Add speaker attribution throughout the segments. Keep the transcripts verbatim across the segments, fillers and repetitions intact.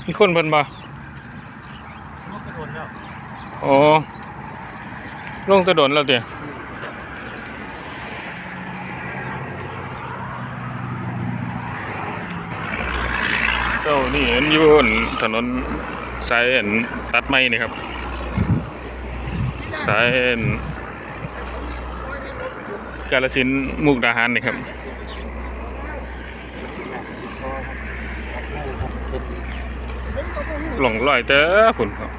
Speaker 1: มีคนเพิ่นบ่โอ้ลงกระโดดแล้วเดี๋ยวเจ้านี่เห็นอยู่บนถนนสายตัดไม้นี่ครับสายกาฬสินธุ์มุกดาหารนี่ครับหลงลอยเต้อฝุ่นครับ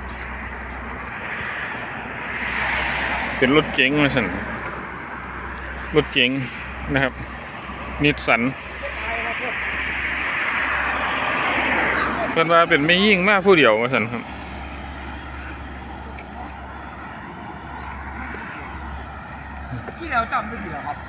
Speaker 1: เป็นรถเก๋งมาสั่นรถเก๋งนะครับนิสสันเพิ่นว่าเป็นไม่ยิ่งมากผู้เดียวมาสั่นครับ
Speaker 2: ที่เราจำได้ดีแล้วครับ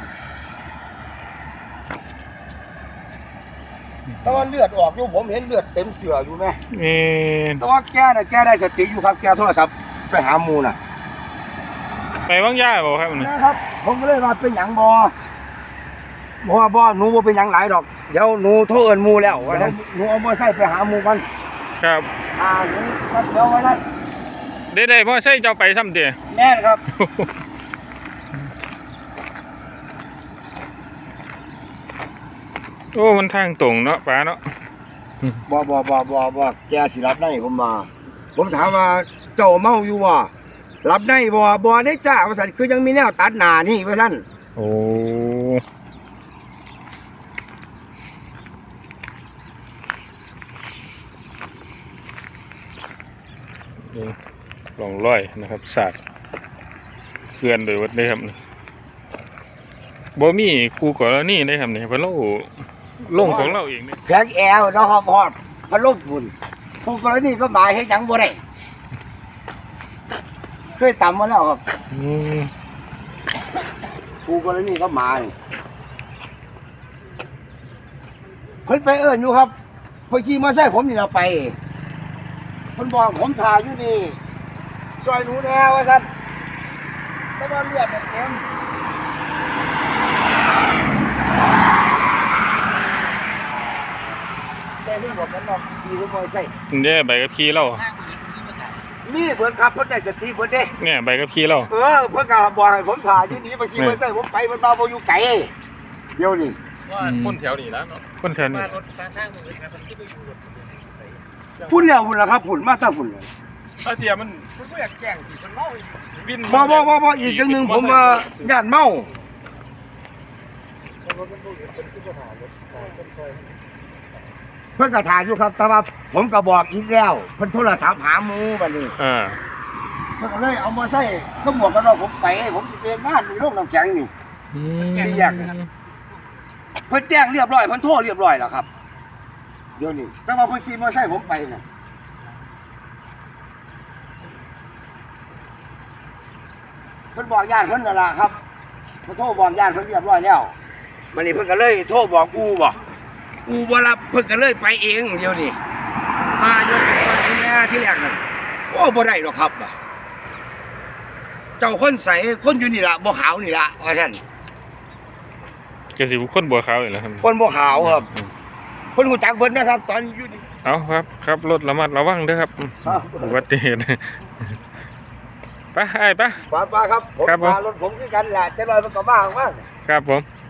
Speaker 2: แต่ว่าเลือดออกอยู่ผมเห็นเลือดเต็มเสืออยู่ไหม
Speaker 1: เอ่อ
Speaker 2: แต่ว่าแกน่ะแกได้สติอยู่ครับแกโทรศัพท์ไปหาหมูน่ะ
Speaker 1: ไปว่างย่าบ่ครับนี่
Speaker 2: นะครับผมก็เลยว่าเป็นหยังบ่บ่บ่หนูบ่เป็นหยังหลายดอกเดี๋ยวหนูโทรเอิ้นหมูแล้วว่าหนูเอามอไซค์ไปหาหมูกัน
Speaker 1: ครับ
Speaker 2: อ่าหนูเดี๋ยวไว้นั้น
Speaker 1: ได้ได้มอไซค์เจ้าไปซ้ำเด้
Speaker 2: แม่นครับ
Speaker 1: โอ้มันทางตรงเนาะป้าเนาะ
Speaker 2: บ่บ่บ่บ่บ่แกสิรับได้ผมมาผมถามว่าเจ้าเมาอยู่บ่รับได้บ่บ่ได้จ้าว่าซั่นคือยังมีแนวตัดหน้านี่ว่าซั่น
Speaker 1: โอ้ลองร้อยนะครับศาสตร์เพื่อนโดยวัดได้ครับบ่มีครูก่อนแล้วนี่ได้ครับเนี่ยเพราะเราลงของเราเองเนี่ย
Speaker 2: แพ็กแอลเนาะครับพอดพัดลมฝุ่นครูกรณีก็หมายให้ยังบ่ได้เคยตำมาแล้วครับครูกรณีก็หมายเพิ่นไปเอิ้นอยู่ครับเพิ่นขี่มาใส่ผมนี่เราไปเพิ่นบอกผมถ่ายอยู่นี่ซอยหนูแน่ว่าซั่นแต่ว่าเลือดมันเต็มใส่เรื่องบอกกันเนาะดีทุกคนใส่
Speaker 1: เนี่ยใบกับขี้เรา
Speaker 2: นี่เพิ่นขับเพิ่นได้สติเพิ่นเด้
Speaker 1: เนี่ยใบกับขี้เรา
Speaker 2: เออเพิ่นก็บอกให้ผมถ่ายอยู่นี่บางทีเพิ่นใส่ผมไปเพิ่นมาบ่อยู่ไกลเดี๋ยวนี้
Speaker 1: ว่าคนแถวนี้แล้วเนาะคนแถวนี้รถทางทางมือครับมันคิดว่าอยู่รถ
Speaker 2: พุ่นแล้วพุ่นล่ะครับพุ่นมาตาพุ่นเลย
Speaker 1: เออเดี๋ยวมัน
Speaker 2: เพิ่นบ่อยากแกล้งสิเพิ่นเมาอีกวินบ่บ่บ่บ่อีกจังนึงผมว่าย่านเมาเพิ่นก็ถ่ายอยู่ครับแต่ว่าผมก็บอกอีกแล้วเพิ่นโทรศัพท์หาหมู่บัดนี้
Speaker 1: อ่า
Speaker 2: เพิ่นก็เลยเอามาใส่ก็หมวกกันน็อกผมไปผมสิเป็นงานมีโรงน้ำแข็งนี่
Speaker 1: อืม
Speaker 2: สี่แยกเพิ่นแจ้งเรียบร้อยเพิ่นโทรเรียบร้อยแล้วครับเดี๋ยวนี้แต่ว่าเพิ่นขี่มอเตอร์ไซค์ผมไปน่ะเพิ่นบอกญาติเพิ่นนั่นล่ะครับเพิ่นโทรบอกญาติเพิ่นเรียบร้อยแล้วบัดนี้เพิ่นก็เลยโทรบอกอูบ่อูบ่รับเพิ่นก็เลยไปเองเดี๋ยวนี้มาอยู่ซอยนี้ที่แรกนั่นโอ้บ่ได้หรอกครับเจ้าคนใสคนอยู่นี่ล่ะบ่ขาวนี่ล่ะว่าซั่น
Speaker 1: ก็สิคนบัวขาวนี่แหละครับ
Speaker 2: คนบัวขาวครับคนหูจักเพิ่นนะครับตอนอยู่นี่
Speaker 1: เอาครับครับรถระมัดระวังเด้อครับอุบัติเหตุไปไอ้ปะ
Speaker 2: ป้าป้าครับผมพารถผมคือกันแหละจะลอยมันก็บ้างมาก
Speaker 1: ครับผม